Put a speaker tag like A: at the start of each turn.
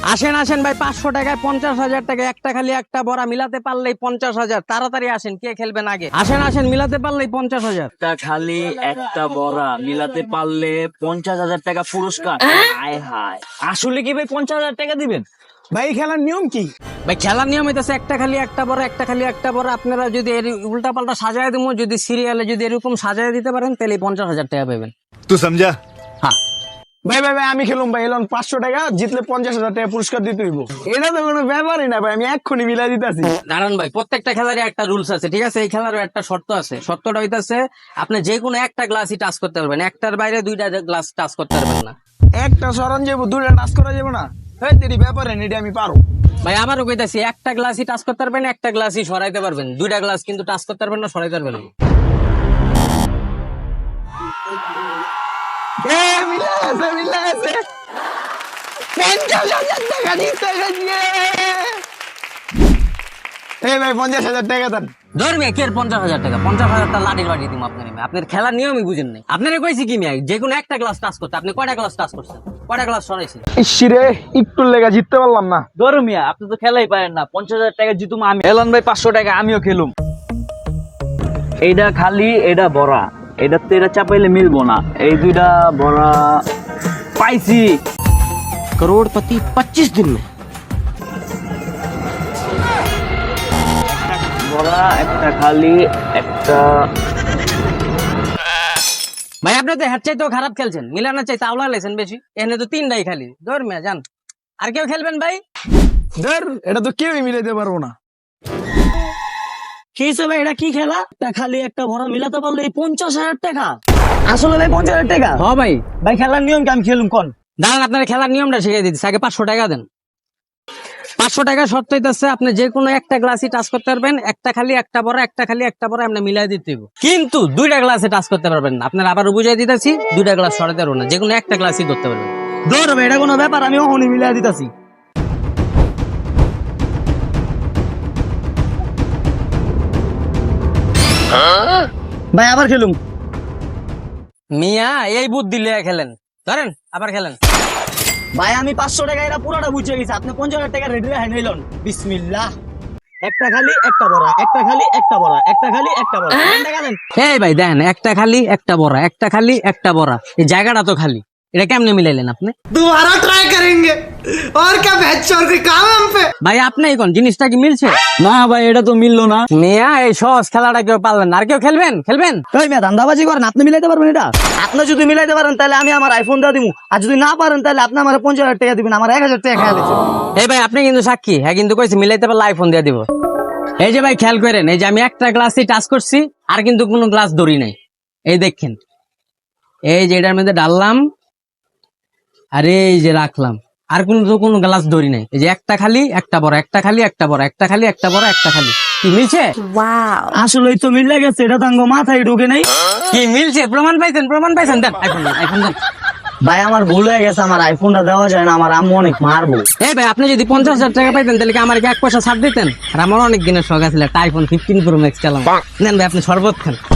A: আসেন আসেন ভাই, 500 টাকায় 50,000 টাকা, একটা খালি একটা বড়া মিলাতে পারলেই 50,000। তাড়াতাড়ি আসেন, কে খেলবেন আগে? আসেন আসেন, মিলাতে পারলেই 50,000।
B: একটা খালি একটা বড়া মিলাতে পারলে 50,000 টাকা পুরস্কার। হায় হায়, আসলে কি ভাই 50,000 টাকা দিবেন?
C: ভাই খেলার নিয়ম কি?
A: ভাই খেলার নিয়ম হইতেছে একটা খালি একটা বড়, একটা খালি একটা বড়। আপনারা যদি এর উল্টা পাল্টা সাজায় দিব, যদি সিরিয়ালে যদি এরকম সাজায় দিতে পারেন, তাহলে 50,000 টাকা পাবেন।
D: तू समझा?
A: হ্যাঁ
C: ভাই ভাই ভাই আমি খেলুম ভাই, এলন 500 টাকা জিতলে 50,000 টাকা পুরস্কার দিতে হইব। এটা তো কোনো ব্যাপারই না ভাই, আমি এক্ষুনি মিলাই দিতেছি।
A: দাঁড়ান ভাই, প্রত্যেকটা খেলারই একটা রুলস আছে, ঠিক আছে? এই খেলারও একটা শর্ত আছে। শর্তটা হইতাছে আপনি যে কোনো একটা গ্লাসই টাচ করতে পারবেন, একটার বাইরে দুইটা গ্লাস টাচ করতে পারবেন না।
C: একটা সরান যাবো, দুইটা টাচ করা যাবো না। হ্যাঁ তেরি ব্যাপারে এটা আমি পারো।
A: ভাই আবারও কইতাছি, একটা গ্লাসই টাচ করতে পারবেন, একটা গ্লাসই সরাইতে পারবেন, দুইটা গ্লাস কিন্তু টাচ করতে পারবেন না, সরাইতে পারবেন না।
C: মিলে আছে মিলে আছে, 50,000 টাকা জিতে গেছি। এই ভাই 50,000 টাকা দেন।
A: ধরবে কে 50,000 টাকা? 50,000 টাকা লাঠি লাঠি দিব আপনার। আপনার খেলার নিয়মই বুঝেন নাই। আপনারা কইছি কি মিয়া, যে কোনো একটা গ্লাস টাচ করতে। আপনি কয়টা গ্লাস টাচ করছেন? কয়টা গ্লাস সরাইছেন?
C: ইসিরে একটু লেগা জিততে পারলাম না।
B: ধরো মিয়া, আপনি তো খেলাই পারেন না। 50,000 টাকা জিতুম আমি। এলন ভাই 500 টাকা আমিও খেলুম। এইটা খালি, এটা বড়া, এটাতে এটা চাপাইলে মিলবো না। এই দুইটা বড়া পাইছি।
A: करोड़पति 25 दिन में।
B: বড়া একটা খালি একটা।
A: ভাই আপনি তো হ্যাট চাইতেও খারাপ খেলছেন, মিলানোর চাই তাওলা লেছেন বেশি। এখানে তো তিনটাই খালি। ধর মিয়া যান, আর কেউ খেলবেন ভাই?
C: ধর এটা তো কেউই মিলাইতে পারবো না।
B: কি হিসেবে এটা কি খেলা? একটা খালি একটা বড়া মিলাতে পারলে এই 50,000 টাকা।
C: আসলে ভাই 50,000 টাকা।
A: হ ভাই।
B: ভাই খেলার নিয়ম কি আমি খেলুম কোন?
A: দাঁড়ান, আপনার খেলার নিয়মটা শিখিয়ে দিচ্ছি। আগে 500 টাকা দেন। 500 টাকা শর্ত হইতেছে আপনি যে কোনো একটা গ্লাসই টাচ করতে পারবেন, একটা খালি একটা বড়, একটা খালি একটা বড়, আপনি মিলাই দিতে হইব। কিন্তু দুইটা গ্লাসে টাচ করতে পারবেন না। আপনার আবার বুঝাই দিতেছি, দুইটা গ্লাস সরাতে পারবেন না, যে কোনো একটা গ্লাসই করতে পারবেন।
B: ধর ভাই, এটা কোনো ব্যাপার? আমি ওখানে মিলাই দিতেছি। ভাই আবার খেলুম।
A: মিয়া এই বুদ্ধি লিয়ে খেলেন। ধরেন আবার খেলেন।
B: ভাই আমি 500 টাকা এটা পুরোটা বুঝে গেছি। আপনি 50,000 টাকা রেডি রাখেন। নিলন বিসমিল্লাহ। একটা খালি একটা বড়া, একটা খালি একটা বড়া, একটা খালি একটা বড়া। টাকা দেন।
A: এই ভাই দেখেন, একটা খালি একটা বড়, একটা খালি একটা বড়, এই জায়গাটা তো খালি। এটা কেমনে মিলাইলেন আপনি?
E: दोबारा ट्राई करेंगे और क्या बहचोद के काम है हम पे।
A: ভাই আপনি কোন জিনিসটা কি মিলছে?
B: না ভাই, এটা তো মিললো না।
A: মিয়া এই সহজ খেলাটা কেউ পারলেন না, আর কেউ খেলবেন? খেলবেন?
B: ওই মিয়া ধান্দাবাজি করেন, আপনি মিলাইতে পারবেন এটা? আপনি যদি মিলাইতে পারেন তাহলে আমি আমার আইফোন দিয়ে দিব, আর যদি না পারেন তাহলে আপনি আমার 50,000 টাকা দিবেন। আমার 1,000 টাকা খেয়াল আছে।
A: এই ভাই আপনি কিন্তু সাক্ষী, হ্যাঁ কিন্তু কইছি মিলাইতে পারলে আইফোন দিয়ে দিব। এই যে ভাই খেয়াল করেন, এই যে আমি একটা গ্লাসই টাচ করছি, আর কিন্তু কোনো গ্লাস ধরি নাই। এই দেখেন, এই যে এটার মধ্যে ডাললাম, আর এই যে রাখলাম, আর কোনো গ্লাস ধরি নাই। এই যে একটা খালি একটা বড়, একটা খালি একটা বড়, একটা খালি একটা বড়, একটা খালি। কি মিলছে?
B: আসলেই তো মিলে গেছে, এটা তো আঙ্গো মাথায় ঢুকে নাই।
A: কি মিলছে? প্রমাণ পাইছেন? প্রমাণ পাইছেন? দেন আইফোন দেন, আইফোন দেন।
B: ভাই আমার ভুল হয়ে গেছে, আমার আইফোনটা দেওয়া যায় না, আমার আম্মু অনেক মারবো।
A: এই ভাই আপনি যদি 50,000 টাকা পাইতেন, তাহলে কি আমার 1 পয়সা ছাড় দিতেন? আর আমার অনেক দিনের শখ আছে একটা আইফোন 15 প্রো ম্যাক্স চালাম। নেন ভাই আপনি শরবত খান।